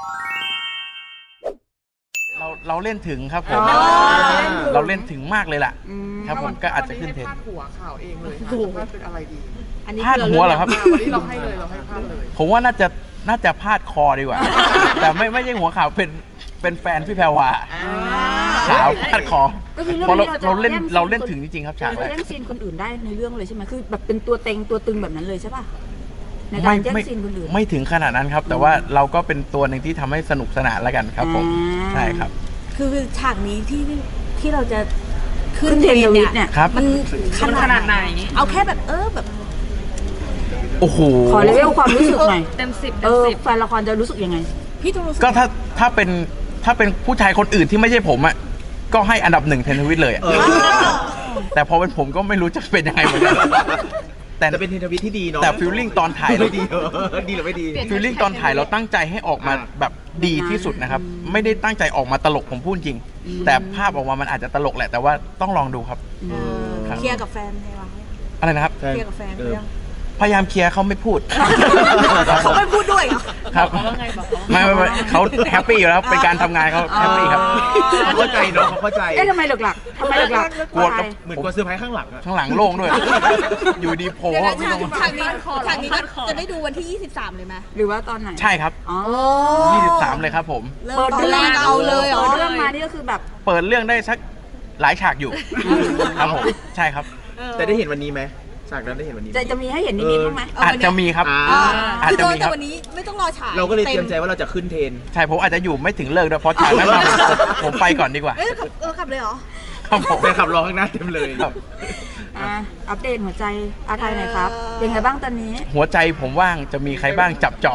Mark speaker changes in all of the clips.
Speaker 1: เราเล่นถึงครับผมเราเล่นถึงมากเลยล่ะครับผมก็อาจจะขึ้นเทรนด์
Speaker 2: พาดหัวข่าวเองเลยว่าเป็นอะไรดี
Speaker 1: พาดหัวเหรอครับ
Speaker 2: วันนี้เราให้เลยเราให้พาดเลย
Speaker 1: ผมว่าน่าจะพาดคอดีกว่าแต่ไม่ใช่หัวข่าวเป็นแฟนพี่แพรวาสาวพาดคอเพราะเราเล่นถึงจริงๆครับฉากแรก
Speaker 3: แย่งซีนคนอื่นได้ในเรื่องเลยใช่ไหมคือแบบเป็นตัวเต็งตัวตึงแบบนั้นเลยใช่ป่ะในการแย่งซีนคนอื่น
Speaker 1: ไม่ถึงขนาดนั้นครับแต่ว่าเราก็เป็นตัวหนึ่งที่ทำให้สนุกสนานแล้วกันครับผมใช่ครับ
Speaker 4: คือฉากนี้ที่เราจะขึ้น
Speaker 3: เทรนด์เนี่ย
Speaker 4: มันขนาดไหนเอาแค่แบบแบบ
Speaker 1: โอ้โห
Speaker 3: ขอเลเวลความรู้สึกหน่อย
Speaker 4: เต็ม10
Speaker 3: แฟนละครจะรู้สึกยังไง
Speaker 4: พี่ต้องรู้สึก
Speaker 1: ก็ถ้าเป็นผู้ชายคนอื่นที่ไม่ใช่ผมอ่ะก็ให้อันดับ1เทรนด์ทวิตเลยแต่พอเป็นผมก็ไม่รู้จะเป็นยังไงเหมือนกัน
Speaker 5: แต่เป็นเทรนด์ทวิตที่ดีเนาะ
Speaker 1: แต่ฟีลลิ่งตอนถ่ายเรา
Speaker 5: ดีดีหรือไม่ดี
Speaker 1: ฟีลลิ่งตอนถ่ายเราตั้งใจให้ออกมาแบบดีที่สุดนะครับไม่ได้ตั้งใจออกมาตลกผมพูดจริงแต่ภาพออกมามันอาจจะตลกแหละแต่ว่าต้องลองดูครับ
Speaker 4: เคลียร์กับแฟนไหมวะ
Speaker 1: อะไรนะครับ
Speaker 4: เคลียร์กับแฟนเรื่อง
Speaker 1: พยายามเคลียร์เขาไม่พูด
Speaker 4: เขาไม่พูดด้วย
Speaker 1: ครับไม่เขาแฮปปี้อยู่แล้วเป็นการทำงานเขาแฮปปี้ครับ
Speaker 5: เข้าใจเนาะเข้าใจ
Speaker 3: ทำไมหลักทำไมหลัก
Speaker 1: กลัว
Speaker 5: เหมือนกลัวเซอร์ไพรส์ข้างหลัง
Speaker 1: ข้างหลังโล่งด้วยอยู่ดีโผล่
Speaker 4: ฉากนี้จะได้ดูวันที่23เลยไหม
Speaker 3: หรือว่าตอนไหน
Speaker 1: ใช่ครับ23เลยครับผม
Speaker 3: เปิดเรื่องเอาเลยเปิดเรื่องมานี่ก็คือแบบ
Speaker 1: เปิดเรื่องได้สักหลายฉากอยู่ครับผมใช่ครับ
Speaker 5: แต่ได้เห็นวันนี้ไหมฉากนั้นได้เห็นวันนี้
Speaker 3: จะมีให้เห็นนิดๆบ้างไหม
Speaker 1: อาจจะมีครับอาจจะมีครับ
Speaker 4: วันนี้ไม่ต้องรอฉาก
Speaker 5: เราก็เลยเตรียมใจว่าเราจะขึ้นเทรน
Speaker 1: ใช่ผมอาจจะอยู่ไม่ถึงเลิกด้วยเพราะฉากนั้นผมไปก่อนดีกว่า
Speaker 4: ขับเลยเหรอ
Speaker 1: ครับผม
Speaker 5: ไปขับรอข้างหน้าเต็มเลยครับ
Speaker 3: อัปเดตหัวใจอาไทยหน่อยครับเป็นไงบ้างตอนนี้
Speaker 1: หัวใจผมว่างจะมีใครบ้างจับจอง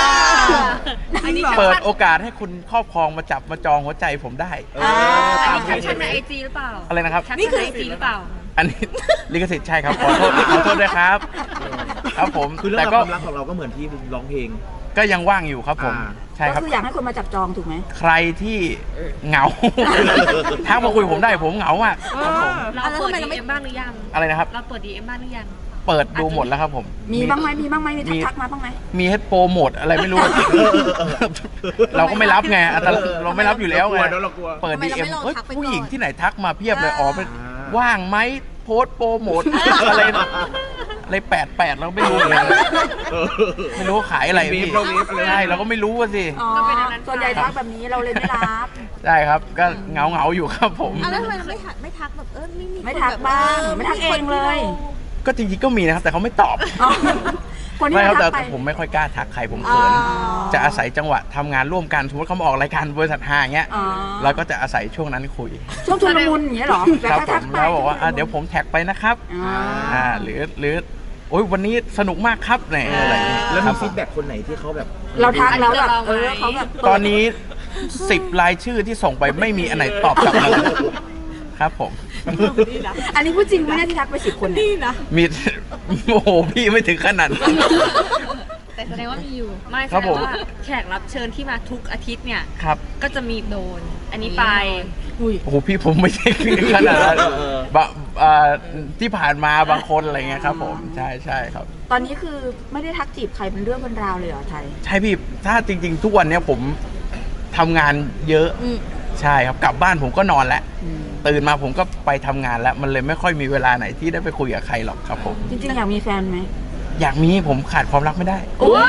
Speaker 1: เปิดโอกาสให้คุณครอบครองมาจับมาจองหัวใจผมได้
Speaker 4: ตามแคปชั่นในไอจีหรือเปล่า
Speaker 1: อะไรนะครับ
Speaker 4: นี่คือไอจีหรือเปล่า
Speaker 1: อันนี้ลิขสิทธิ์ใช่ครับขอโทษด้วยครับครับผม
Speaker 5: คือแต่ก็ความรักของเราก็เหมือนที่ร้องเพลง
Speaker 1: ก็ยังว่างอยู่ครับผมใช่ครับ
Speaker 3: ก็คืออยากให้คนมาจับจองถูกไหม
Speaker 1: ใครที่เหงาทักมาคุยผมได้ผมเหงามาก
Speaker 4: เราเปิด DM บ้างหรือยัง
Speaker 1: อะไรนะครับ
Speaker 4: เราเปิด DM บ้างหรือยัง
Speaker 1: เปิดดูหมดแล้วครับผม
Speaker 3: มีบ้างไหมมีทักมาบ้างไหม
Speaker 1: มีให้โปรโมทอะไรไม่รู้เราก็ไม่รับไงเราไม่รับอยู่แล้วไงเปิด DM ผู้หญิงที่ไหนทักมาเพียบเลยเป็นว่างไหมโพสโปรโมทอะไร88เราไม่รู้เลยไม่รู้ขายอะไรพี่ใช่เราก็ไม่รู้สิ
Speaker 3: ส่วนใหญ่ทักแบบนี้เราเลยไม่รับ
Speaker 1: ใช่ครับก็เหงาอยู่ครับผม
Speaker 4: แล้วทำไมไม่ทักแบบ
Speaker 3: ไม่ทักบ้างไม่ทักเองเลย
Speaker 1: ก็จริงๆก็มีนะครับแต่เขาไม่ตอบไม่ครับแต่ผมไม่ค่อยกล้าทักใครผมเขินจะอาศัยจังหวะทำงานร่วมกันสมมติเขามาออกรายการบริษัท5อย่างเงี้ยเราก็จะอาศัยช่วงนั้นคุย
Speaker 3: ช่วงชุลมุนอย่างเงี้ยหรอ
Speaker 1: ครับผมแล้วบอกว่าเดี๋ยวผมแท็กไปนะครับหรือโอ้ยวันนี้สนุกมากครับเนี่ยอะไร
Speaker 5: แล้วมีฟีดแบ็กคนไหนที่เขาแบบ
Speaker 3: เราทักแล้วแบบเขาแบบ
Speaker 1: ตอนนี้10รายชื่อที่ส่งไปไม่มีอันไหนตอบกลับมาครับผม
Speaker 3: อันนี้พูดจริงไหมที่ทักไป10 คน
Speaker 4: นี่นะ
Speaker 1: มีโอ้โหพี่ไม่ถึงขนาด
Speaker 4: แต่แสดงว่ามีอยู่ไม่แสดงว่าแขกรับเชิญที่มาทุกอาทิตย์เนี่ยก็จะมีโดนอันนี้ไป
Speaker 1: โอ้โหพี่ผมไม่ใช่ขนาดนั้นที่ผ่านมาบางคนอะไรเงี้ยครับผมใช่ครับ
Speaker 3: ตอนนี้คือไม่ได้ทักจีบใครเป็นเรื่องเป็นราวเลยเหรอไทย
Speaker 1: ใช่พี่ถ้าจริงๆทุกวันนี้ผมทำงานเยอะใช่ครับกลับบ้านผมก็นอนแล้วตื่นมาผมก็ไปทำงานแล้วมันเลยไม่ค่อยมีเวลาไหนที่ได้ไปคุยกับใครหรอกครับผม
Speaker 3: จริงๆอยากมีแฟนไหม
Speaker 1: อยากมีผมขาดความรักไม่ได้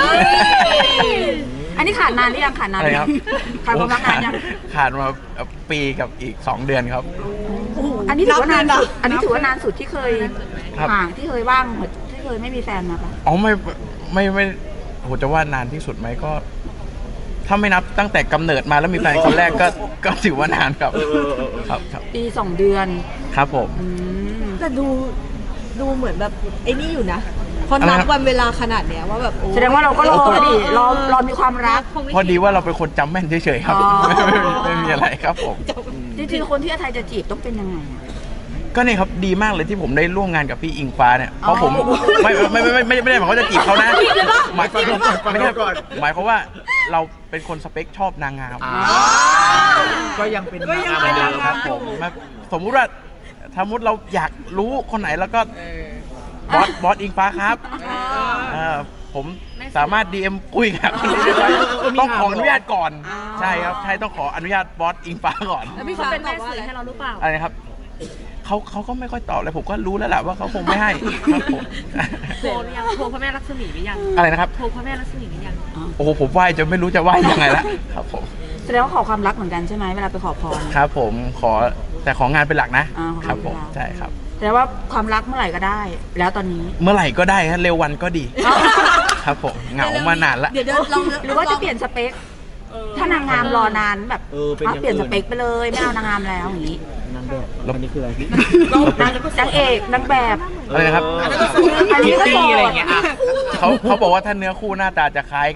Speaker 3: อันนี้ขาดนานหรือยังขาดนาน
Speaker 1: ครับ
Speaker 3: ขาดความรักนานยัง
Speaker 1: ขาดมาปีกับอีก2 เดือนครับ
Speaker 3: อันนี้ถือว่านานสุดอันนี้ถือว่านานสุดที่เคยห่างที่เคยว่างที่เคยไม่มีแฟนมาปะ
Speaker 1: อ๋อไม่โหจะว่านานที่สุดไหมก็ถ้าไม่นับตั้งแต่กำเนิดมาแล้วมีแฟนคนแรกก็ถือว่านานครับ
Speaker 3: ปี2 เดือน
Speaker 1: ครับผม
Speaker 4: แต่ดูเหมือนแบบไอ้นี่อยู่นะพอนับวันเวลาขนาดเนี้ยว่าแบบ
Speaker 3: แสดงว่าเราก็รอดิรอมีความรัก
Speaker 1: พอดีว่าเราเป็นคนจำแม่นเฉยๆครับไม่มีอะไรครับผม
Speaker 3: จริงๆคนที่อาไทยจะจีบต้องเป็นยังไง
Speaker 1: ก็นี่ครับดีมากเลยที่ผมได้ร่วมงานกับพี่อิงฟ้าเนี่ยเพราะผมไม่ได้หมายความว่าจะจีบเขานะหมายความว่าเราเป็นคนสเปคชอบนางงาม
Speaker 5: ก็ยังเป็นนางงามเหมือนเดิม
Speaker 1: ครับผมสมมุติว่าเราอยากรู้คนไหนแล้วก็บอสอิงฟ้าครับผมสามารถ DM คุยกับคนนี้ได้ต้องขออนุญาตก่อน ใช่ครับใช่ต้องขออนุญาตบอสอิงฟ้าก่อน
Speaker 4: แล้วพี่เขาเป็นแม่สื่อให้เราหรือเปล่า
Speaker 1: อะไรนะครับเขาก็ไม่ค่อยตอบเลยผมก็รู้แล้วแหละว่าเขาคงไม่ให้ครับผม
Speaker 4: โทรหรือยังโทรพระแม่ลักษมีหรือยัง
Speaker 1: อะไรนะครับ
Speaker 4: โทรพระแม่ลักษมีหรือยัง
Speaker 1: โอ้โหผมไหว้จนไม่รู้จะไหว้ยังไงละครับผม
Speaker 3: แสดงว่าขอความรักเหมือนกันใช่ไหมเวลาไปขอพร
Speaker 1: ครับผมขอแต่ของานเป็นหลักนะ
Speaker 3: อ่าของงาน
Speaker 1: ครับผม
Speaker 3: เป็นหลัก
Speaker 1: ใช่ครับ
Speaker 3: แสดงว่าความรักเมื่อไหร่ก็ได้ แล้วตอนนี้
Speaker 1: เมื่อไหร่ก็ได้ฮะเร็ววันก็ดี ครับผมเหงามานานละ
Speaker 3: เดี๋ยวลองหรือว่าจะเปลี่ยนสเปค ถ้านางงามรอนานแบบ
Speaker 5: เป็นอย่างอื่น
Speaker 3: เปลี่ยนสเปคไปเลยไม่เอานางงามแล้วอย่างนี้
Speaker 5: นางแบบอันนี้คืออะไรพี่
Speaker 3: นางเอกนางแบบ
Speaker 1: อะไรนะครับ
Speaker 3: อันนี้ก็โสด
Speaker 5: อะไรอย่างเงี้ยอ่ะ
Speaker 1: เขาบอกว่าถ้าเนื้อคู่หน้าตาจะคล้ายกัน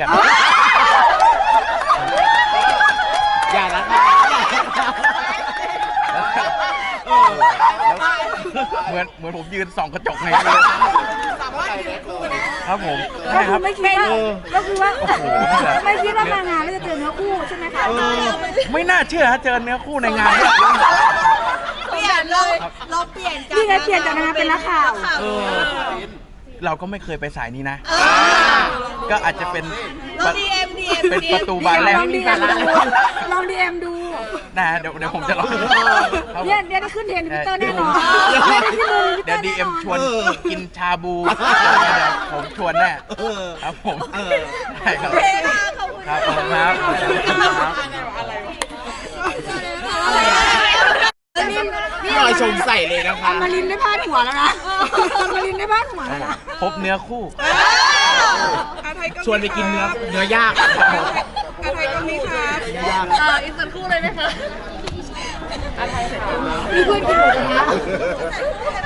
Speaker 5: อย่าละ
Speaker 1: เหมือนผมยืนส่องกระจกไงครับผม
Speaker 3: ก็
Speaker 1: ใช่ค
Speaker 3: คื
Speaker 1: รั
Speaker 3: อบ ไม่คิดว่าก็คือว่า
Speaker 1: โอ้โหนี่แหละ
Speaker 3: ไม่คิดว่านางงามไม่จะเจอเนื้อคู่ใช่ไหมคะ
Speaker 1: ไม่น่าเชื่อฮะเจอเนื้อคู่ในงานเนี่ย
Speaker 6: เปลี่ยนเลยเราเปลี่ยนจาก
Speaker 3: นี่ไงเปลี่ยนจากนางงามเป็นนักข่าว
Speaker 1: เราก็ไม่เคยไปสายนี้นะ ก็อาจจะเป็น
Speaker 6: เราดีเอ็ม
Speaker 1: เป็นประตูบานแรก
Speaker 3: ลองดีเอ็มดูลองดีเอ็มดู
Speaker 1: นะฮะเดี๋ยวผมจะลองครับผม
Speaker 3: เนี่ยได้ขึ้นเทรนด์ทวิตเตอร์แน่นอนได้ขึ้นเลยทวิตเต
Speaker 1: เดี๋
Speaker 3: อ
Speaker 1: ยว
Speaker 3: ร์
Speaker 1: ดี
Speaker 3: แน่
Speaker 1: เอ็ม
Speaker 3: นอน
Speaker 1: ชวนกินชาบูเดี๋ยวผมชวนแน่ครับผมใช่ครับครับผมครับครับ
Speaker 5: พี่ลอยชมใส่เลยนะคะ
Speaker 3: มารินได้พาดหัวแล้วนะมารินได้พาดหัวแล้วนะ
Speaker 1: พบเนื้อคู่
Speaker 5: ชวนไปกินเนื้อย่าง
Speaker 2: อะไรก็มีค่ะ
Speaker 4: อีกสักครู่เลยไหมคะ
Speaker 3: มีเพื่อนกินหมูกระทะ